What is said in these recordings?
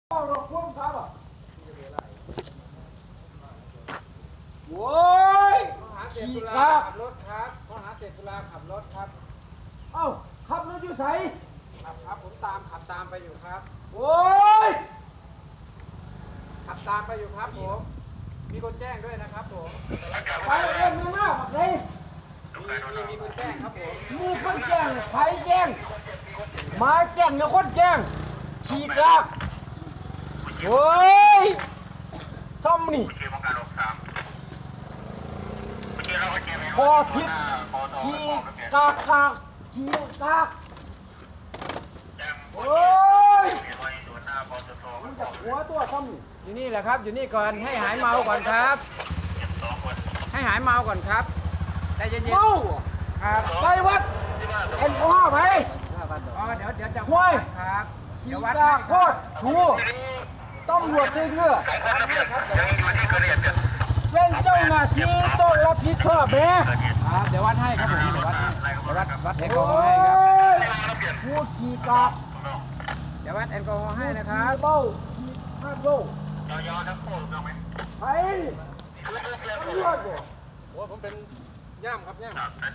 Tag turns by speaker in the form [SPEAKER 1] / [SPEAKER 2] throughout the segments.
[SPEAKER 1] โอ้ยขี่ครับ
[SPEAKER 2] ขับรถครับข้อหาเสพสุราขับรถครับ
[SPEAKER 1] เอ้าขับรถอยู่ไส
[SPEAKER 2] ครับผมขับตามไปอยู่ครับ
[SPEAKER 1] โอ้ย
[SPEAKER 2] ขับตามไปอยู่ครับผมมีคนแจ้งด้วยนะครับผม
[SPEAKER 1] ไปเองไม่น่าบักเลย
[SPEAKER 2] มีคนแจ้งครับผม
[SPEAKER 1] มีคนแจ้งไผแจ้งหมาแจ้งเนี่ยคนแจ้งขี่ครับโอ้ยซ้ำนี่พอผิดขี่กากขี่กากโอ้ยมันจะหัวตัวซ้ำนี่
[SPEAKER 2] อยู่นี่แหละครับอยู่นี่ก่อนให้หายเมาก่อนครับ ให้หายเมาก่อนครับใจเย็น
[SPEAKER 1] เมา
[SPEAKER 2] ๆครับ
[SPEAKER 1] ไปวัดแอลกอฮอล์ไป
[SPEAKER 2] อ๋อเดี๋ยวจะ
[SPEAKER 1] ห้วย
[SPEAKER 2] ครับ
[SPEAKER 1] ขี่
[SPEAKER 2] เดี๋ยววัด
[SPEAKER 1] กา
[SPEAKER 2] ให้
[SPEAKER 1] กโค
[SPEAKER 2] ครับ
[SPEAKER 1] ตรถูตำรวจเถื่อ เป็นเจ้าหน้าที่ต้องรับผิดชอบแม่
[SPEAKER 2] ครับเดี๋ยววัดให้ครับผมเดี๋ยววัดแอลกอฮอ
[SPEAKER 1] โอ้
[SPEAKER 2] ล์ให้ครับ
[SPEAKER 1] ยผู้ขี่กาก
[SPEAKER 2] เดี๋ยววัดแอลกอฮอล์ให้นะครับ
[SPEAKER 1] เบ้าขี่ข้าเบ้าไปตำรวจบ่
[SPEAKER 2] โอ้ผมเป็นย่ามครับย่าม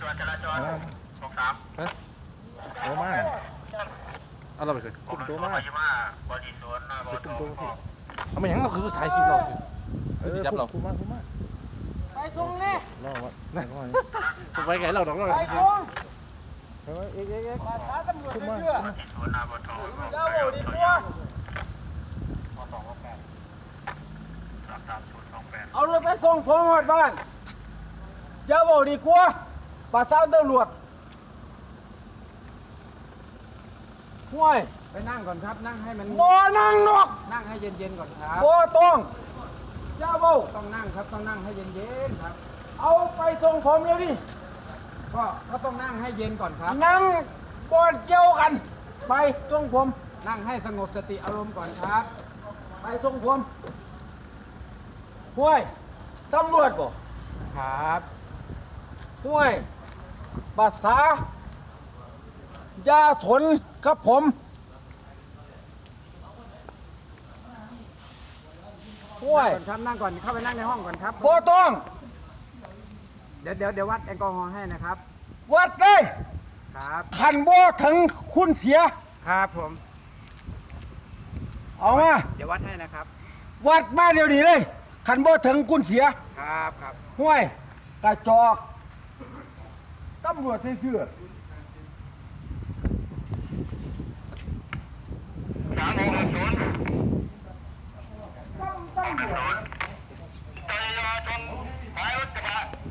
[SPEAKER 3] โตมากเอาเราไปสิกลุ่มโตมากจะกลุ่มโตที่เอามาอย่างเราคือถ่ายคลิปเราคือจับเราคุ้มมาก
[SPEAKER 1] ไปส่งนี่
[SPEAKER 3] รอวะนั่นก็มาจะไปไงเราดอกเรา
[SPEAKER 1] ไปส่ง
[SPEAKER 3] เอ๊ะ
[SPEAKER 1] มาท้าตำรวจ
[SPEAKER 3] คุ้ม
[SPEAKER 1] เถื่
[SPEAKER 3] มาก
[SPEAKER 1] อเจ้าบ่ดีกว่าเอารถไปส่งผมหอดบ้านเจ้าบ่ดีกว่าประสานตำรวจห่วย
[SPEAKER 2] ไปนั่งก่อนครับนั่งให้มัน
[SPEAKER 1] บ่นั่งนอก
[SPEAKER 2] นั่งให้เย็นๆก่อนครับ
[SPEAKER 1] บ่ต้องเจ้าบ่
[SPEAKER 2] ต้องนั่งครับต้องนั่งให้เย็นๆครับ
[SPEAKER 1] เอาไปส่งผมเดี๋ยวนี้
[SPEAKER 2] ก็ต้องนั่งให้เย็นก่อนครับ
[SPEAKER 1] นั่งบอนเกี่ยวกัน ไปส่งผม
[SPEAKER 2] นั่งให้สงบสติอารมณ์ก่อนครับ
[SPEAKER 1] ไปส่งผมห่วยตำรวจบ่
[SPEAKER 2] ครับ
[SPEAKER 1] ห่วยภาษาอยาทนกับผมห่วย
[SPEAKER 2] ก่อนครับนั่งก่อนเข้าไปนั่งในห้องก่อนครับ
[SPEAKER 1] บ่ต้อง
[SPEAKER 2] เดี๋ยววัดแอลกอฮอล์ให้นะครับ
[SPEAKER 1] วัดเลย
[SPEAKER 2] ครับ
[SPEAKER 1] ขันบ่ถึงคุณเสีย
[SPEAKER 2] ครับผม
[SPEAKER 1] เอามา
[SPEAKER 2] เดี๋ยววัดให้นะครับ
[SPEAKER 1] วัดมาเดี๋ยวนี้เลยขันบ่ถึงคุณเสีย
[SPEAKER 2] ครับ
[SPEAKER 1] ห่วยกระจอกตำรวจเชื่อตำรวจ